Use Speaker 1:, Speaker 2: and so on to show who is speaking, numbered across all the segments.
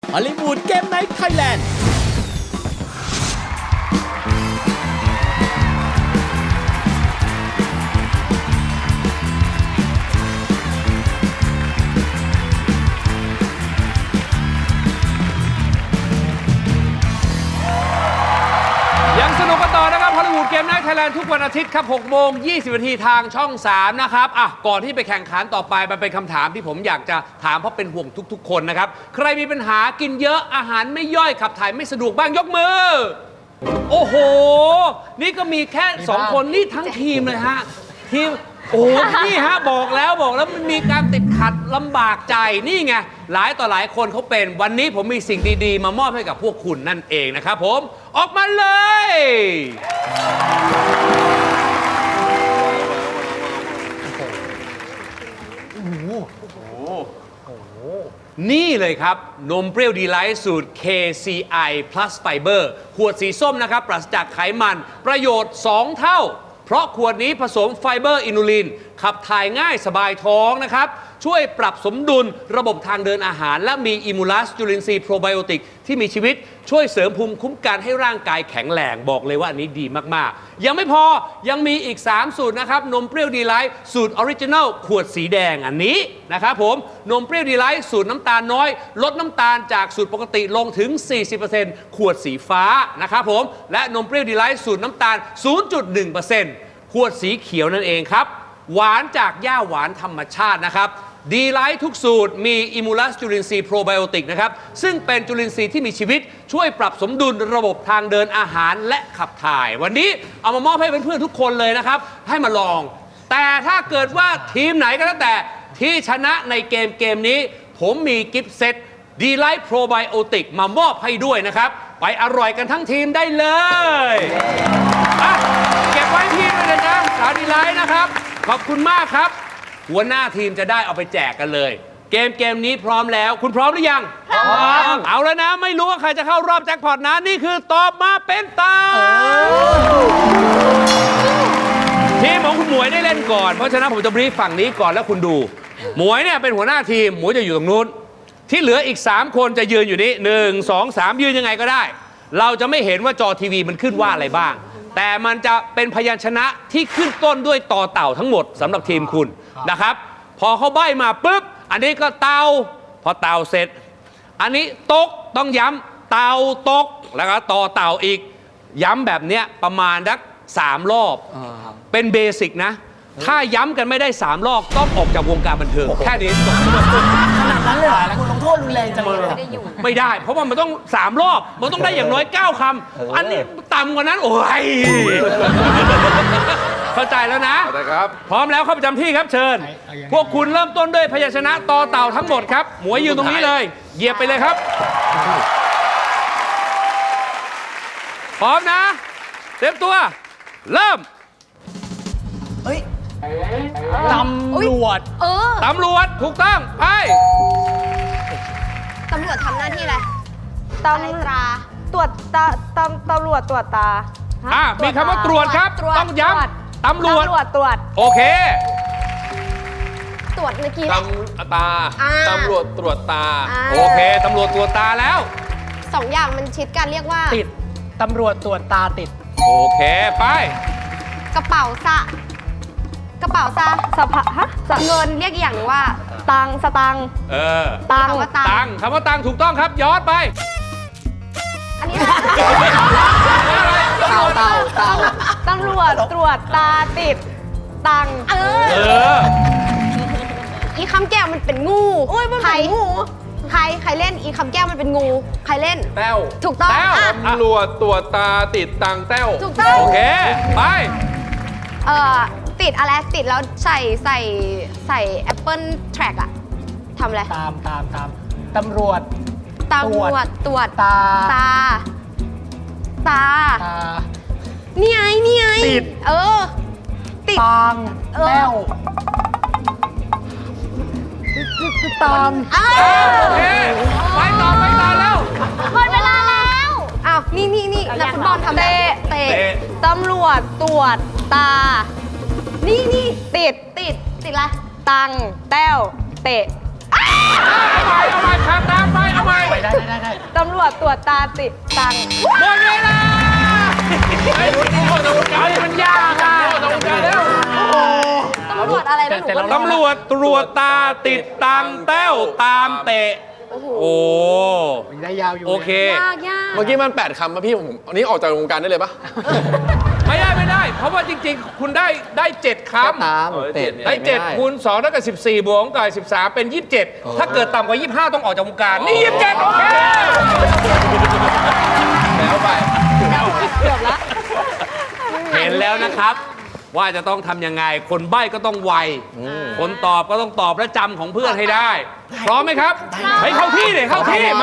Speaker 1: ฮอลลีวูดเกมไนท์ไทยแลนด์
Speaker 2: ยังสนุกกันต่อนะครับฮอลลีวูดเกมไนท์ไทยแลนด์ทุกวันอาทิตย์ครับ6 โมง 20 นาทีทางช่อง 3 นะครับก่อนที่ไปแข่งขันต่อไปมันเป็นคำถามที่ผมอยากจะถามเพราะเป็นห่วงทุกๆคนนะครับใครมีปัญหากินเยอะอาหารไม่ย่อยขับถ่ายไม่สะดวกบ้างยกมือโอ้โหนี่ก็มีแค่2 คนนี่ทั้งทีมเลยฮะทีมโอ้นี่ฮะบอกแล้วมันมีการติดขัดลำบากใจนี่ไงหลายต่อหลายคนเขาเป็นวันนี้ผมมีสิ่งดีๆมามอบให้กับพวกคุณนั่นเองนะครับผมออกมาเลยนี่เลยครับนมเปรี้ยวดีไลท์สูตร KCI Plus Fiber ขวดสีส้มนะครับปราศจากไขมันประโยชน์2 เท่าเพราะขวดนี้ผสมไฟเบอร์อินูลินขับถ่ายง่ายสบายท้องนะครับช่วยปรับสมดุลระบบทางเดินอาหารและมีอิมูลัสจุลินทรีย์โปรไบโอติกที่มีชีวิตช่วยเสริมภูมิคุ้มกันให้ร่างกายแข็งแรงบอกเลยว่าอันนี้ดีมากๆยังไม่พอยังมีอีก3สูตรนะครับนมเปรี้ยวดีไลท์สูตรออริจินัลขวดสีแดงอันนี้นะครับผมนมเปรี้ยวดีไลท์สูตรน้ำตาลน้อยลดน้ำตาลจากสูตรปกติลงถึง 40% ขวดสีฟ้านะครับผมและนมเปรี้ยวดีไลท์สูตรน้ำตาล 0.1% ขวดสีเขียวนั่นเองครับหวานจากหญ้าหวานธรรมชาตินะครับดีไลท์ทุกสูตรมีอิมูลัสจุลินทรีย์โปรไบโอติกนะครับซึ่งเป็นจุลินทรีย์ที่มีชีวิตช่วยปรับสมดุลระบบทางเดินอาหารและขับถ่ายวันนี้เอามามอบให้เพื่อนๆทุกคนเลยนะครับให้มาลองแต่ถ้าเกิดว่าทีมไหนก็แล้วแต่ที่ชนะในเกมนี้ผมมีกิฟต์เซตดีไลท์โปรไบโอติกมามอบให้ด้วยนะครับไปอร่อยกันทั้งทีมได้เลยเก็บไว้ที่ด้วยนะจ๊ะสาวดีไลท์นะครับขอบคุณมากครับหัวหน้าทีมจะได้เอาไปแจกกันเลยเกมนี้พร้อมแล้วคุณพร้อมหรือยังพร้อมเอาแล้วนะไม่รู้ว่าใครจะเข้ารอบแจ็คพอตนะนี่คือตอบมาเป็นตาทีมของคุณหมวยได้เล่นก่อนเพราะฉะนั้นผมจะบรีฟฝั่งนี้ก่อนแล้วคุณดูหมวยเนี่ยเป็นหัวหน้าทีมหมวยจะอยู่ตรงนู้นที่เหลืออีก3 คนจะยืนอยู่นี้1 2 3ยืนยังไงก็ได้เราจะไม่เห็นว่าจอทีวีมันขึ้นว่าอะไรบ้างแต่มันจะเป็นพยัญชนะที่ขึ้นต้นด้วยต่อเต่าทั้งหมดสำหรับทีมคุณนะครับพอเขาใบ้มาปุ๊บอันนี้ก็เต่าพอเต่าเสร็จอันนี้ตกต้องย้ำเต่าตกแล้วก็ต่อเต่าอีกย้ำแบบเนี้ยประมาณสัก3 รอบเป็นเบสิกนะถ้าย้ำกันไม่ได้3 รอบต้องออกจากวงการบันเทิงแค่นี้จบ
Speaker 3: ขนาดนั้นเลยเหรอคุณลงโทษรุนแรงจังเลย
Speaker 2: ไม่ได้เพราะว่ามันต้อง3 รอบมันต้องได้อย่างน้อย9 คำอันนี้ต่ำกว่านั้นโอ้ยเข้าใจแล้วนะ
Speaker 4: ครับ
Speaker 2: พร้อมแล้วเข้าประจำที่ครับเชิญพวกคุณเริ่มต้นด้วยพยัญชนะต่อเต่าทั้งหมดครับหมวยยืนตรงนี้เลยเหยียบไปเลยครับพร้อมนะเตรียมตัวเริ่ม
Speaker 3: ตำรวจ
Speaker 2: ตำรวจถูกต้องไป
Speaker 5: ตำรวจทำหน้าที่อะไรตำรวจตรวจตาตำรวจตรวจตา
Speaker 2: มีคำว่าตรวจครับต้องย้ำตำรวจ
Speaker 5: ตรวจ
Speaker 2: โอเค
Speaker 5: ตรวจเมื่อกี้
Speaker 4: ตาตำรวจตรวจตา
Speaker 2: โอเคตำรวจตรวจตาแล้ว
Speaker 5: 2 อย่างมันชิดกันเรียกว่า
Speaker 3: ติดตำรวจตรวจตาติด
Speaker 2: โอเคไป
Speaker 5: กระเป๋าสะเงินเรียกอีกอย่างหนึ่งว่าตังสตังตัง
Speaker 2: คำว่าตังถูกต้องครับย้อนไป
Speaker 5: อันนี้
Speaker 3: เต่า
Speaker 5: ตำรวจตรวจตาติดตังอีคำแก้วมันเป็นงูใครเล่นอีคำแก้วมันเป็นงูใครเล่น
Speaker 4: แต้ว
Speaker 5: ถูกต้อง
Speaker 4: ตำรวจตรวจตาติดตังแต้ว
Speaker 5: ถูกต้อง
Speaker 2: โอเคไป
Speaker 5: ติดอะไรติดแล้วใส่ Apple Track อะทำอะไร
Speaker 3: ตามตำรวจ
Speaker 5: ตรวจตานี่ไง
Speaker 3: ติด
Speaker 5: ติด
Speaker 3: ตังแต้วตัง
Speaker 2: โอเคไปต่อแล้ว
Speaker 5: หมดเวลาแล้วอ้าวนี่นักฟุตบอลทำเตะตำรวจตรวจตานี่ติดอะไรตังแต้วเตะ
Speaker 2: เอาใหม่ครับตามไปเอาใหม่
Speaker 3: ได้
Speaker 5: วจตรวจตาติดตัง
Speaker 2: หมดเวลา
Speaker 4: ไอ้รุ่นนี้มันยากอ่ะตรงกันแล้ว
Speaker 5: ตำรวจอะไรนะหนูก็
Speaker 2: ตำรวจตรวจตาติดตังแต้วตามเตะ โอ้
Speaker 3: ได้ยาวอยู่
Speaker 2: โอเค
Speaker 5: ยากยาก
Speaker 4: เมื่อกี้มัน8คำป่ะพี่ผมอันนี้ออกจากวงการได้เลยป่ะ
Speaker 2: ไม่ได้ เพราะว่าจริงๆ คุณได้7คำ
Speaker 3: ตามเตะ
Speaker 2: ได้7คูณ2แล้วก็14 บวกกับ13 เป็น 27 ถ้าเกิดต่ำกว่า 25 ต้องออกจากวงการ นี่ 27 โอเค
Speaker 4: แล้วไป
Speaker 5: เกือบละ
Speaker 2: เห็นแล้วนะครับ ว่าจะต้องทำยังไง คนใบ้ก็ต้องไว คนตอบก็ต้องตอบและจำของเพื่อนให้ได้ พร้อมไหมครับไปเข้าที่เลยเข้าที่มา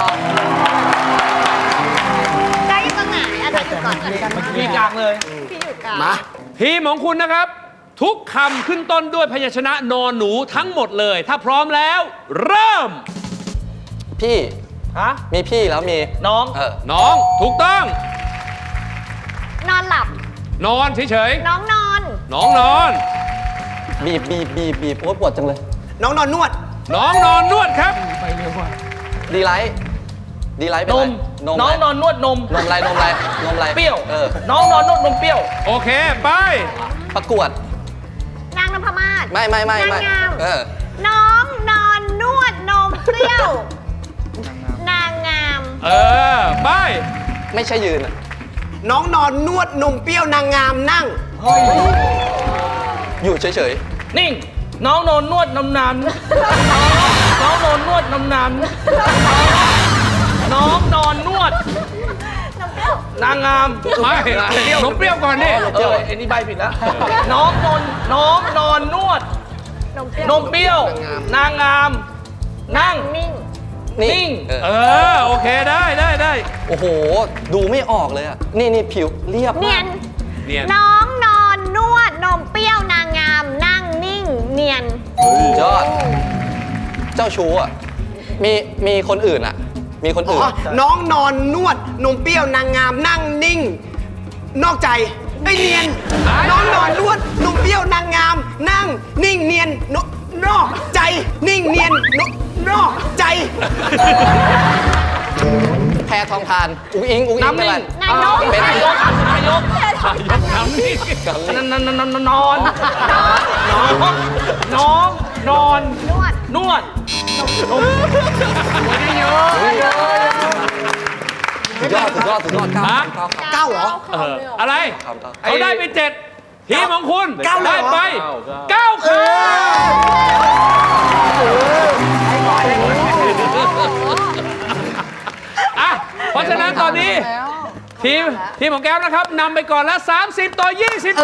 Speaker 5: ได้อยู่ตรงไหนอาจารย์อยู่ก่อน
Speaker 3: มีกลางเลย
Speaker 5: พี่อยู่กลาง
Speaker 2: ทีมของคุณนะครับ ทุกคำขึ้นต้นด้วยพยัญชนะนอนหนูทั้งหมดเลย ถ้าพร้อมแล้ว เริ่ม
Speaker 6: พี่
Speaker 3: ฮะ
Speaker 6: มีพี่แล้วมี
Speaker 3: น้อง
Speaker 2: น้องถูกต้อง
Speaker 5: นอนหลับ
Speaker 2: นอนเฉย
Speaker 5: น้องนอน
Speaker 2: ๆน้องนอน
Speaker 6: บีบโอ้ยปวดจังเลย
Speaker 1: น้องนอนนวด
Speaker 2: น้องนอนนวดครับ
Speaker 6: ดีไลท์เป็น
Speaker 3: น
Speaker 6: ไร
Speaker 3: ม
Speaker 6: นม
Speaker 3: น้อง
Speaker 6: อะไร
Speaker 3: นอนนวดนม
Speaker 6: นมอะไรนมอะไรนมอะไร
Speaker 3: เปรี้ยว
Speaker 6: น้
Speaker 3: น้องนอนนวดนมเปรี้ยว
Speaker 2: โอเค ไป
Speaker 6: ประกวด
Speaker 5: นางนพมาศ
Speaker 6: ไม่
Speaker 5: นางงาม น้องนอนนวดนมเปรี้ยว นางงาม
Speaker 2: ไป
Speaker 6: ไม่ใช่ยืนอะ
Speaker 1: น้องนอนนวดนมเปรี้ยวนางงามนั่ง
Speaker 6: อยู่เฉย
Speaker 3: นิ่ง น้องนอนนวดนมนานน้องนอนนวดนมนานน้องนอนนวด
Speaker 5: นมเปรี้ยว
Speaker 3: นางงาม
Speaker 2: ไม่นมเปรี้ยวก่อนดิ
Speaker 3: ไอ้นี่ใบผิดแล้ว น้องนอนนวด
Speaker 5: นมเปรี้ย
Speaker 3: น
Speaker 5: ว
Speaker 3: มเปรี้ยว นางงาม นั่ง
Speaker 5: นิ่ง
Speaker 6: ๆ
Speaker 3: นิ่ง
Speaker 2: โอเคได้
Speaker 6: โอ้โห ดูไม่ออกเลยอะนี่ผิวเรียบ
Speaker 5: เนียน
Speaker 2: เนียน
Speaker 5: น้องนอนนวดนมเปรี้ยวนางงาม นั่งนิ่ง เนียน
Speaker 6: ยอด เจ้าชู้อะมีคนอื่นอะมีคนอื่น
Speaker 1: น้องนอนนวดนมเปรี้ยวนางงามนั่งนิ่ง นอกใจไอ้ยเนียน น้องนอนนวดนมเปรี้ยวนางงาม นั่งนิ่งเนียนนอกใจนิ่งเนียนนอกใจ
Speaker 6: แพรทองทาน อุ้งอิงเป็น
Speaker 3: น้ำนิ่
Speaker 6: ไร
Speaker 3: ง
Speaker 5: นายก
Speaker 6: เป็น
Speaker 3: นายก
Speaker 2: ยกน้ำนี่
Speaker 3: นอนนอน
Speaker 5: นวด
Speaker 3: นวด
Speaker 6: สุดยอดเก้า
Speaker 1: เก้าเหรอ
Speaker 2: อะไร
Speaker 6: ครับ
Speaker 2: เขาได้ไป7ทีมของคุณ
Speaker 1: เก้าเลยเหรอ
Speaker 2: ได้ไป9คะแนนเพราะฉะนั้นตอนนี้ ทีมของแก้วนะครับนำไปก่อนแล้ว 30 ต่อ 27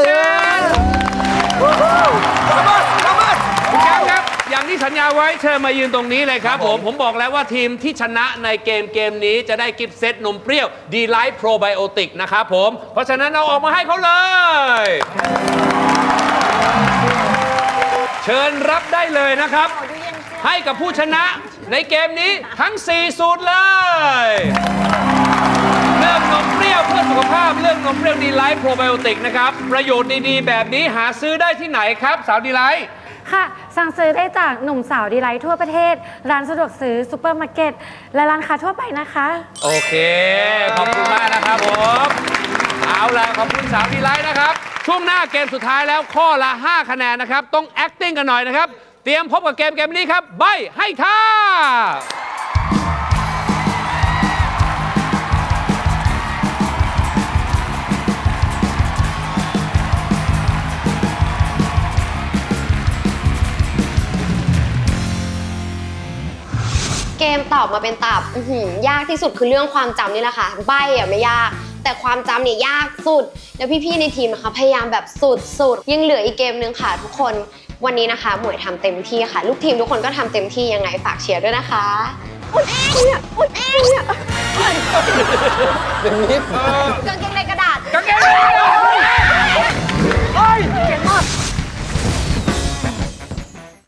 Speaker 2: คุณแก้วครับ อย่างที่สัญญาไว้เชิญมายืนตรงนี้เลยครับผมบอกแล้วว่าทีมที่ชนะในเกมนี้จะได้กิฟต์เซตนมเปรี้ยวดีไลท์โปรไบโอติกนะครับผม เพราะฉะนั้นเอาออกมาให้เขาเลย เชิญรับได้เลยนะครับ ให้กับผู้ชนะในเกมนี้ทั้ง 4 สูตรเลย เรื่องนมเปรี้ยวเพื่อสุขภาพเรื่องนมเปรี้ยวดีไลท์โปรไบโอติกนะครับ ประโยชน์ดีๆ แบบนี้หาซื้อได้ที่ไหนครับสาวดีไลท์
Speaker 7: ค่ะ สั่งซื้อได้จากหนุ่มสาวดีไลท์ทั่วประเทศ ร้านสะดวกซื้อซูเปอร์มาร์เก็ตและร้านค้าทั่วไปนะคะ
Speaker 2: โอเค ขอบคุณมากนะครับผมเอาล่ะขอบคุณสาวดีไลท์นะครับ ช่วงหน้าเกมสุดท้ายแล้วข้อละ 5 คะแนนนะครับ ต้อง acting กันหน่อยนะครับ เตรียมพบกับเกมนี้ครับ ใบให้ท่า
Speaker 8: เกมตอบมาเป็นตับยากที่สุดคือเรื่องความจำนี่แหละค่ะใบ้อะไม่ยาก แต่ความจำเนี่ยยากสุด แล้วพี่ๆในทีมนะคะพยายามแบบสุดๆยังเหลืออีกเกมนึงค่ะทุกคนวันนี้นะคะหมวยทำเต็มที่ค่ะ ลูกทีมทุกคนก็ทำเต็มที่ยังไงฝากเชียร์ด้วยนะคะอุดเองเนี่ยอุดเองเนี่ย
Speaker 6: เป็นนิด
Speaker 8: กางเกงในกระดาษ
Speaker 2: กางเกง